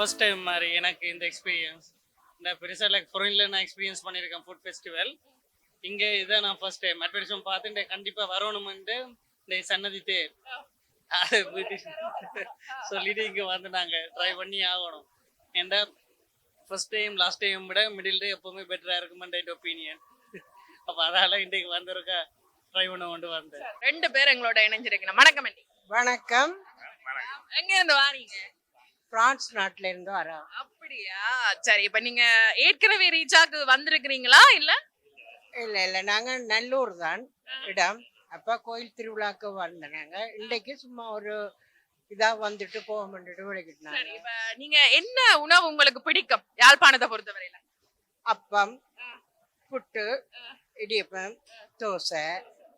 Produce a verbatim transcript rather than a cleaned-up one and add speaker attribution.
Speaker 1: First time மாதிரி எனக்கு இந்த எக்ஸ்பீரியன்ஸ். இந்த பெருசாக லைக் ஃபாரின்ல நான் எக்ஸ்பீரியன்ஸ் பண்ணியிருக்கேன் ஃபுட் ஃபெஸ்டிவல். இங்கே இதான் நான் ஃபர்ஸ்ட் டைம் அட்வர்டைஸ்மெண்ட் பார்த்துட்டு கண்டிப்பாக வரணுமென்ட்டு இந்த சன்னதி தேர் அது சொல்லிட்டு இங்கே வந்து நாங்கள் ட்ரை பண்ணி ஆகணும். ஏன்டா ஃபர்ஸ்ட் டைம் லாஸ்ட் டைம் விட மிடில் டே எப்போவுமே பெட்டராக இருக்குமெண்ட் ஒப்பீனியன். அப்போ அதால் இன்றைக்கு வந்திருக்கா ட்ரை பண்ண கொண்டு வந்தேன்.
Speaker 2: ரெண்டு பேர் எங்களோட இணைஞ்சிருக்கணும். வணக்கம் அண்டி.
Speaker 3: வணக்கம்.
Speaker 2: எங்க இருந்து வாரீங்க?
Speaker 3: பிரான்ஸ் நாட்டுல இருந்து வரோம்.
Speaker 2: அப்படியா? சரி, இப்ப நீங்க ஏற்கனவே ரீச்சாக்கு வந்திருக்கிறீங்களா இல்ல?
Speaker 3: இல்ல இல்ல நாங்க நல்லூர் தான் இடம். அப்ப கோயில் திருவிழாக்கு வந்தாங்க. இன்னைக்கு சும்மா ஒரு இதா வந்துட்டு போக மாட்டுட்டு
Speaker 2: சரி,
Speaker 3: விளக்கிட்டாங்க.
Speaker 2: இப்ப நீங்க என்ன உணவு உங்களுக்கு பிடிக்கும் யாழ்ப்பாணத்தை பொறுத்தவரையில?
Speaker 3: அப்பம், புட்டு, இடியப்பம், தோசை,